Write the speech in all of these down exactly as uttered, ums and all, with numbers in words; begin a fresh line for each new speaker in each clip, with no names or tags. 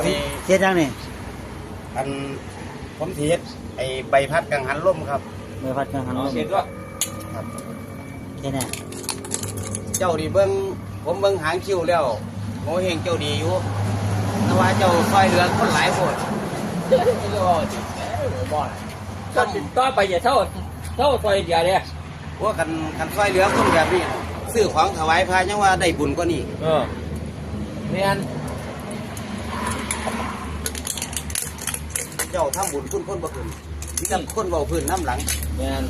เทียดยังนี่
อันผมเทียดไอใบพัดกังหันลมครับ
ใบพัดกังหันลม
เสร็จก็
ครับ
แค่นี้
เจ้าดีเบิ้งผมเบิ้งหางคิวแล้วโง่เฮงเจ้าดีอยู่แต่ว่าเจ้าซอยเหลือคนหลายคน
บ่อนก็ติดต่อไปอย่าเท่าเท่าซอยเดียวเลย
ว่ากันกันซอยเหลือคนแบบนี้ซื้อของถวายพระยังว่าได้บุญกว่านี้
เออเนียน
เจ้าทำบุญคุณคนบ่คืนมีแต่คนเบาพื้นน้ำหลัง
เนียน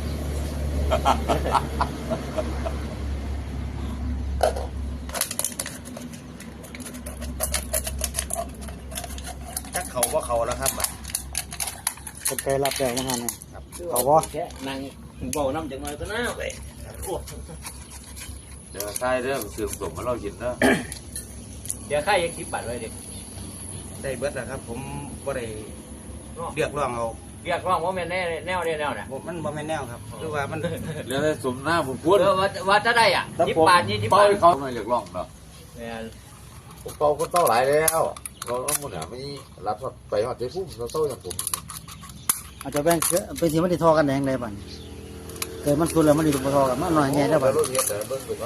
จักเขาว่าเขาแล้วครับบัด
เป็นไกรับแล้วยังไงเนี่ย
ครับ
เขาบ่
แค่นั่งบอกน้ำจังเลยก็น่าไป
เดี๋ยวใช่เรื่องสื่อสมมาเรากินเนาะ
เดี๋ยวค่ายังคิดบัตรไว้ดิ
ได้เบิดแล้วครับ ผมบ่ได้เรียกร้องเอา
เรียกร้องว่าแม่แน่แนวแน่แนวเนี่ย
ผมมันบ่แม่นแนวครับคือว่ามัน
เรื่องสมหน้าผมพูด
เออว่าว่าจะได้อ่ะยี่ปานยี่ยี่
เป้า
ปาน
เขาไม่เรียกร้องเนาะ
เนี่ย
ผมเป่าคนเต้าหลายแล้วเราต้องมุ่งหาไม่รับไปหอดใจพุ่มเราเต้าอย่างผม
อาจจะแบ่งเป็นที่มันได้ทอกันแดงได้บ้านเกิดมันสุดแล้วมันได้ถูกทอกันมันหน่อยแง่แล้วบ้าน
รถเงี้ยแต่เบิ้งดูว่า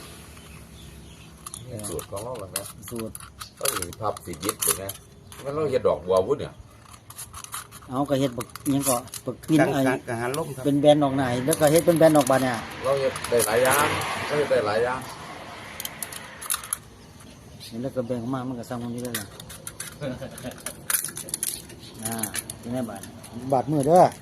สูตรของเราเหมือนกัน
สูตร
ก็มีภาพสียิบถูกไหมมันเราเห็ดดอกบัววุ้นเนี่ย
เอากระเฮ็ดบักยังก็บักปิน
กัง
ไอ้
กังกังหันลมครับ
เป็นแบรนด์ออกไหนแล้วก็เฮ็ดเป็นแบรนด์ออกบานเนี่ย
เราเห็ดได้หลายอย่างเราเห็ดได้หลายอย่าง
แล้วก็แบ่งออกมามันก็ซ้ำกันนี้ได้เลยอ่าเป็นไงบาทบาทมือเด้อ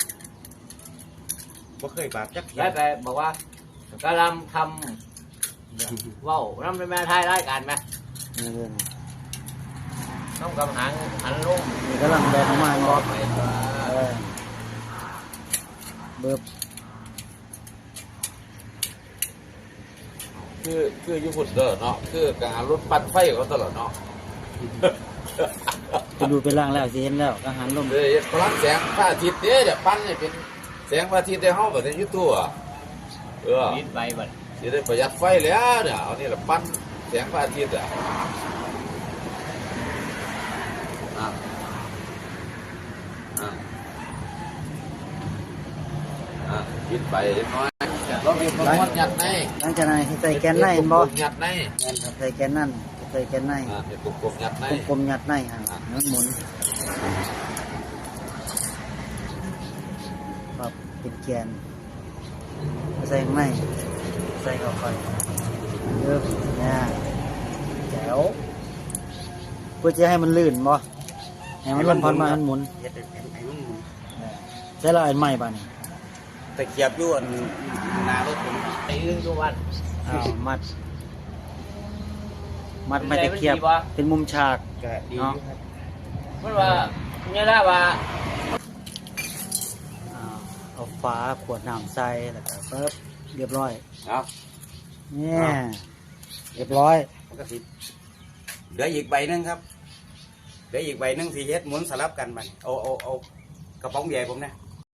บ่เคยบาปจักเทีย
แล้วไปบอกว่ากำลังทำว้าวน้ำเป็นแม่ไทยรายการไหม
นี่เด้อ
น้ำกำหังหันลง
นี่กำลังแบ่งออกมา
บ
เนาะ
อกไป
เออเบิบ
คือคือญี่ปุ่นเด้อเนาะคือการรถปั่นไฟเขาตลอดเนาะ
ไปดูไปล่างแล้วสิเห็นแล้วอาหารลม
เลยพลังแสงพระอาทิตย์เนี่ยปั่นเนี่ยเป็นแสงพระอาทิตย์ในห้องแบบในยูทูบอ่ะเออ
นิดไปบัด
จะได้ประหยัดไฟแล้วเนี่ยเอานี่แหละปั้นแสงพระอาทิตย์อ่ะอ่ะอ่ะอ่ะกินไปเล็กน้อยเรามีคนมัดยัดใน
หลังจากนั้นให้ใส่แกนในเห็นบ่
ยัดใน
แม่นครับใส่แกนนั่นใส่แกนใน
อ่ะเป็นกลมๆยัดใน
กลมๆยัดในฮะนั่นหมุนครับเป็นแกนใส่ข้างในใส่เข้าไปเริ่มเนี่ยแจ๋วเพื่อจะให้มันลื่นบ่ให้มันลมพัดมามันหมุน
เฮ็ดให้ให้มันหมุน
ใช้ละอันใหม่ป่ะนี่
ตะเกียบอยู่อันหน้ารถผม
ไอ้เรื่องทุกวัน
อ้าวมัด มัดไม่ตะเกียบเป็นมุมฉาก
ก็ดีอยู่ครับ
มันว่าเนี่ยได้ว่า
อ่าเอาฟ้าขวดน้ำใส่แล้วก็เปิบเรียบร้อย
เอา
เนี่ยเรียบร้อย
มันก็สิเหลืออีกใบหนึงครับเหลืออีกใบหนึงสิเฮ็ดหมุนสลับกันบัดเอาเอาเอากระป๋องใหญ่ผมนะ